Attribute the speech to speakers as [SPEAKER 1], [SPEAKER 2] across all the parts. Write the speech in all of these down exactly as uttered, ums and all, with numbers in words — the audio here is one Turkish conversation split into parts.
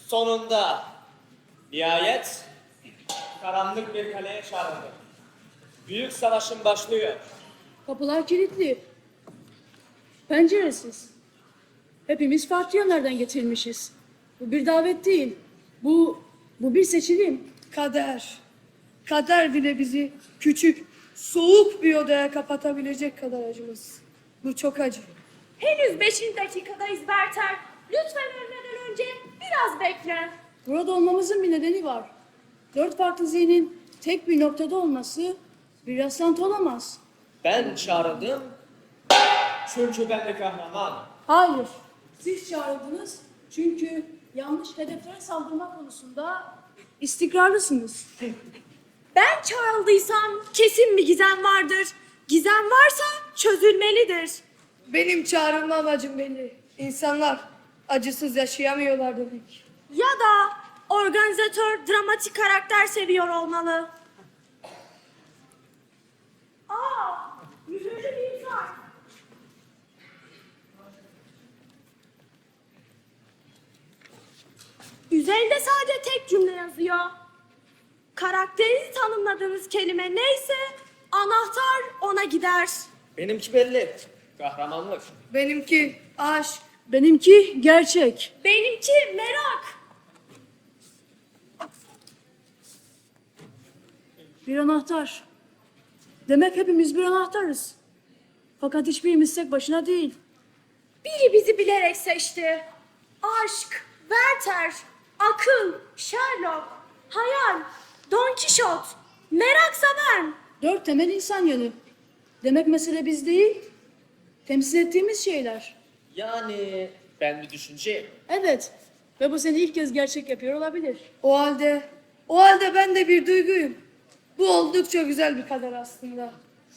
[SPEAKER 1] Sonunda nihayet karanlık bir kaleye çağrıldık. Büyük savaşın başlıyor.
[SPEAKER 2] Kapılar kilitli. Penceresiz. Hepimiz farklı yönlerden getirilmişiz. Bu bir davet değil. Bu, bu bir seçilim.
[SPEAKER 3] Kader. Kader bile bizi küçük, soğuk bir odaya kapatabilecek kadar acımız. Bu çok acı.
[SPEAKER 4] Henüz beşinci dakikadayız Berter. Lütfen ölmeden önce biraz bekle.
[SPEAKER 2] Burada olmamızın bir nedeni var. Dört farklı zihnin tek bir noktada olması bir rastlantı olamaz.
[SPEAKER 1] Ben çağrıldım çünkü ben de kahraman.
[SPEAKER 2] Hayır. Siz çağrıldınız çünkü yanlış hedeflere saldırma konusunda istikrarlısınız.
[SPEAKER 4] Ben çağrıldıysam kesin bir gizem vardır. Gizem varsa çözülmelidir.
[SPEAKER 3] Benim çağrılma amacım belli. İnsanlar acısız yaşayamıyorlar demek.
[SPEAKER 4] Ya da organizatör dramatik karakter seviyor olmalı. Aa, yüzünde bir insan. Üzerinde sadece tek cümle yazıyor. Karakterinizi tanımladığınız kelime neyse anahtar ona gider.
[SPEAKER 1] Benimki belli. Kahramanlık.
[SPEAKER 3] Benimki aşk.
[SPEAKER 2] Benimki gerçek.
[SPEAKER 4] Benimki merak.
[SPEAKER 2] Bir anahtar. Demek hepimiz bir anahtarız. Fakat hiçbirimiz tek başına değil.
[SPEAKER 4] Biri bizi bilerek seçti. Aşk, Werther, akıl, Sherlock, hayal, Don Quixote, meraksa ben.
[SPEAKER 2] Dört temel insan yönü. Demek mesele biz değil, temsil ettiğimiz şeyler.
[SPEAKER 1] Yani ben bir düşünceyim.
[SPEAKER 2] Evet ve bu seni ilk kez gerçek yapıyor olabilir.
[SPEAKER 3] O halde, o halde ben de bir duyguyum. Bu oldukça güzel bir kader aslında.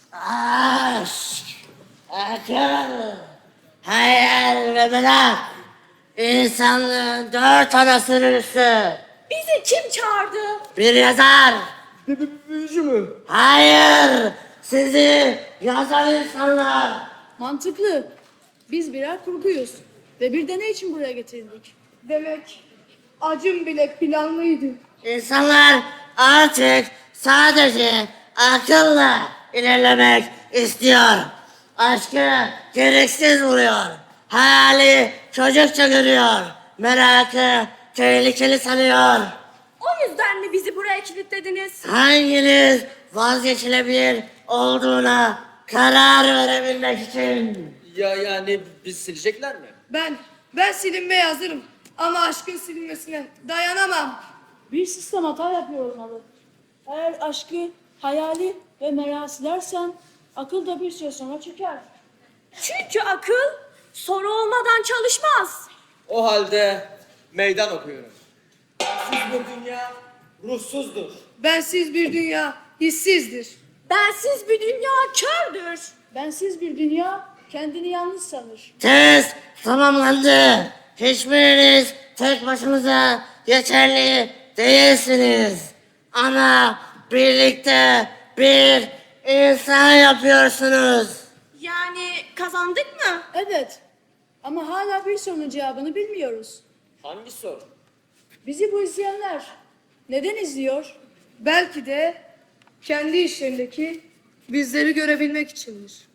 [SPEAKER 5] Aşk, akıl, hayal ve merak. İnsanlığın dört ana sürüsü.
[SPEAKER 4] Bizi kim çağırdı?
[SPEAKER 5] Bir yazar.
[SPEAKER 1] Büyücü mü?
[SPEAKER 5] Hayır, sizi yazan insanlar.
[SPEAKER 2] Mantıklı. Biz birer kurguyuz ve bir deney için buraya getirildik.
[SPEAKER 3] Demek acım bile planlıydı.
[SPEAKER 5] İnsanlar artık sadece akılla ilerlemek istiyor. Aşkı gereksiz buluyor. Hayali çocukça görüyor. Merakı tehlikeli sanıyor.
[SPEAKER 4] O yüzden mi bizi buraya kilitlediniz?
[SPEAKER 5] Hanginiz vazgeçilebilir olduğuna karar verebilmek için?
[SPEAKER 1] Ya yani biz silecekler mi?
[SPEAKER 3] Ben, ben silinmeye hazırım. Ama aşkın silinmesine dayanamam.
[SPEAKER 2] Bir sistem hata yapıyor olmalı. Eğer aşkı, hayali ve merakı silersen akıl da bir süre sonra çöker.
[SPEAKER 4] Çünkü akıl soru olmadan çalışmaz.
[SPEAKER 1] O halde meydan okuyorum. Siz bir dünya ruhsuzdur.
[SPEAKER 3] Bensiz bir dünya hissizdir.
[SPEAKER 4] Bensiz bir dünya kördür.
[SPEAKER 2] Bensiz bir dünya kendini yalnız sanır.
[SPEAKER 5] Test tamamlandı. Hiçbiriniz tek başınıza yeterli değilsiniz. Ama birlikte bir insan yapıyorsunuz.
[SPEAKER 4] Yani kazandık mı?
[SPEAKER 2] Evet ama hala bir sorunun cevabını bilmiyoruz.
[SPEAKER 1] Hangi soru?
[SPEAKER 2] Bizi bu izleyenler neden izliyor?
[SPEAKER 3] Belki de kendi işlerindeki bizleri görebilmek içindir.